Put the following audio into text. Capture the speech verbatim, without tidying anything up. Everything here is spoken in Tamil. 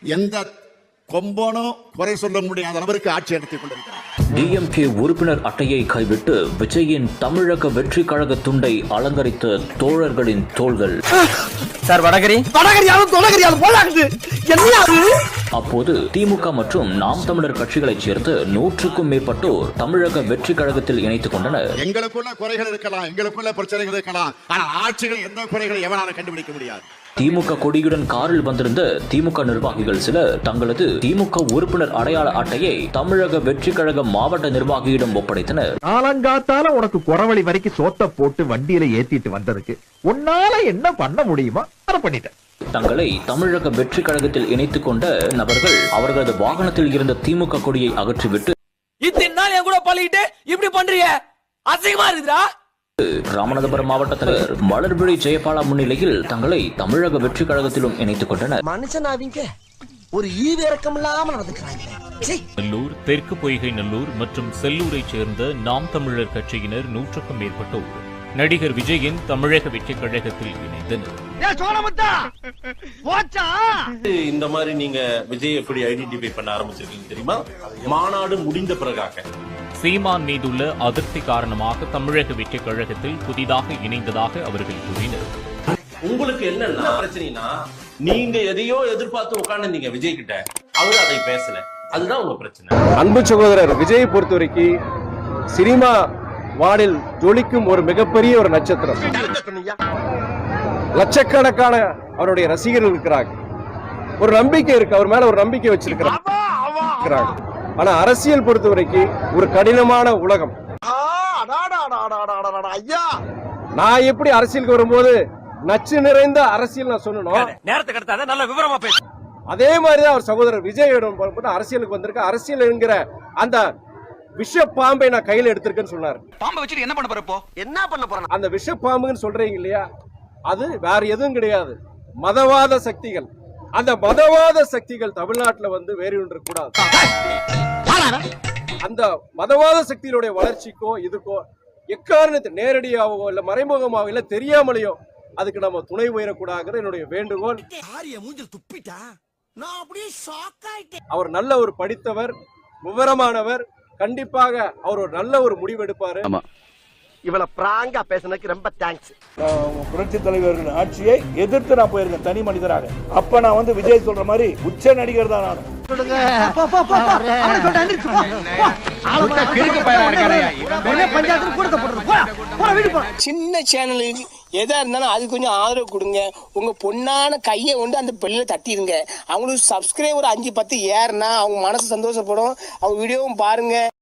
எந்த கொம்பனும் குறை சொல்ல முடியாத அளவிற்கு ஆட்சி நடத்திக் கொண்டிருக்கிறார். டிஎம்கே உறுப்பினர் அட்டையை கைவிட்டு விஜயின் தமிழக வெற்றி கழக துண்டை அலங்கரித்த தோழர்களின் தோள்கள். சார் வடகரி வடகரியாலும் தொலைகரியாலும் போலாகுது. அப்போது திமுக மற்றும் நாம் தமிழர் கட்சிகளைச் சேர்த்து நூற்றுக்கும் மேற்பட்டோர் தமிழக வெற்றி கழகத்தில் இணைத்துக் கொண்டனர். எங்களுக்குள்ள குறைகள் இருக்கலாம், எங்களுக்குள்ள பிரச்சனைகள் இருக்கலாம், ஆனால் ஆட்சிகள் எந்த குறைகளை எவனாலும் கண்டுபிடிக்க முடியாது. திமுக கொடியுடன் காரில் வந்திருந்த திமுக நிர்வாகிகள் சிலர் தங்களது திமுக உறுப்பினர் அடையாள அட்டையை தமிழக வெற்றி கழக மாவட்ட நிர்வாகியிடம் ஒப்படைத்தனர். காலங்காத்தால உனக்கு குறவழி வரைக்கும் சோத்த போட்டு வண்டியில ஏத்திட்டு வந்ததுக்கு உன்னால என்ன பண்ண முடியுமா அதை பண்ணிட்டேன். தங்களை தமிழக வெற்றி கழகத்தில் இணைத்துக் கொண்ட நபர்கள் அவர்களது வாகனத்தில் இருந்த திமுக கொடியை அகற்றிவிட்டு இத்தனை நாள் என் கூட பழகிட்டு இப்படி பண்றீங்க, அசிங்கமா இருக்குதா? ராமநாதபுரம் மாவட்ட தலைவர் மலர்விழி ஜெயபாலா முன்னிலையில் தங்களை தமிழக வெற்றி கழகத்திலும் இணைத்துக் கொண்டனர். மனுஷனாவீங்க ஒரு ஈவு இறக்கம் இல்லாம நடந்துக்கிறாங்க. நல்லூர், தெற்கு பொய்கை நல்லூர் மற்றும் செல்லூரைச் சேர்ந்த நாம் தமிழர் கட்சியினர் நூற்றுக்கும் மேற்பட்டோர் நடிகர் விஜயின் தமிழக வெற்றி கழகத்தில் இணைந்தனர். இந்த மாதிரி நீங்க விஜய் எப்படி ஐடென்டிஃபை பண்ண ஆரம்பிச்சிருக்கீங்க தெரியுமா? மாநாடு முடிந்த பிறகாக சீமான் மீதுள்ள அதிருப்தி காரணமாக தமிழக வெற்றி கழகத்தில் புதிதாக இணைந்ததாக அவர்கள் கூறினர். உங்களுக்கு என்ன பிரச்சனைனா, நீங்க எதையோ எதிர்பார்த்து உட்கார்ந்து விஜய் கிட்ட, அவரு அதை பேசல, அதுதான் உங்க பிரச்சனை. அன்பு சகோதரர் விஜயை பொறுத்த வரைக்கும் சினிமா வானில் ஜொலிக்கும் ஒரு மிகப்பெரிய ஒரு நட்சத்திரம். லட்சக்கணக்கான அவருடைய ரசிகர்கள் இருக்கிறாங்க, ஒரு நம்பிக்கை இருக்கு, அவர் மேல ஒரு நம்பிக்கை வச்சிருக்கிறாங்க. ஆனா அரசியல் பொறுத்த வரைக்கும் ஒரு கடினமான உலகம். நான் எப்படி அரசியலுக்கு வரும்போது நச்சு நிறைந்த அரசியல் நான் சொல்லணும், நேரத்தை கடத்தாத நல்ல விவரமா பேசு. அதே மாதிரிதான் அவர் சகோதரர் விஜயிடம் அரசியலுக்கு வந்திருக்க. அரசியல் என்கிற அந்த விஷ பாம்பை நான் கையில எடுத்திருக்கேன்னு சொன்னார். பாம்பை வச்சுட்டு என்ன பண்ண போறப்போ? என்ன பண்ண போறேன்? அந்த விஷ பாம்புன்னு சொல்றீங்க இல்லையா, அது வேற எதுவும் கிடையாது, மதவாத சக்திகள். அந்த மதவாத சக்திகள் தமிழ்நாட்டில் வந்து வேறு ஒன்று கூடாது. அந்த மதவாத சக்திகளுடைய வளர்ச்சிக்கோ இதுக்கோ எக்காரணத்தை நேரடியாகவோ இல்ல மறைமுகமாகவோ இல்ல தெரியாமலையோ அதுக்கு நம்ம துணை உயரக்கூடாது என்னுடைய வேண்டுகோள். அவர் நல்ல ஒரு படித்தவர், விவரமானவர், கண்டிப்பாக அவர் ஒரு நல்ல ஒரு முடிவு எடுப்பாரு. இவ்வளவு பிராங்கா பேசுனதுக்கு ரொம்ப தேங்க்ஸ். புரட்சி தலைவர்கள் ஆட்சியை எதிர்த்து நான் போயிருக்கேன் தனி மனிதராக. அப்ப நான் வந்து விஜய் சொல்ற மாதிரி உச்ச நடிகர் தான் நான். சின்ன சேனலுக்கு எதா இருந்தாலும் அது கொஞ்சம் ஆதரவு கொடுங்க. உங்க பொண்ணான கையை கொண்டு அந்த பெல்ல தட்டிடுங்க. அவங்களுக்கு சப்ஸ்கிரைபர் அஞ்சு பத்து ஏறுனா அவங்க மனசு சந்தோஷப்படும். அவங்க வீடியோவும் பாருங்க.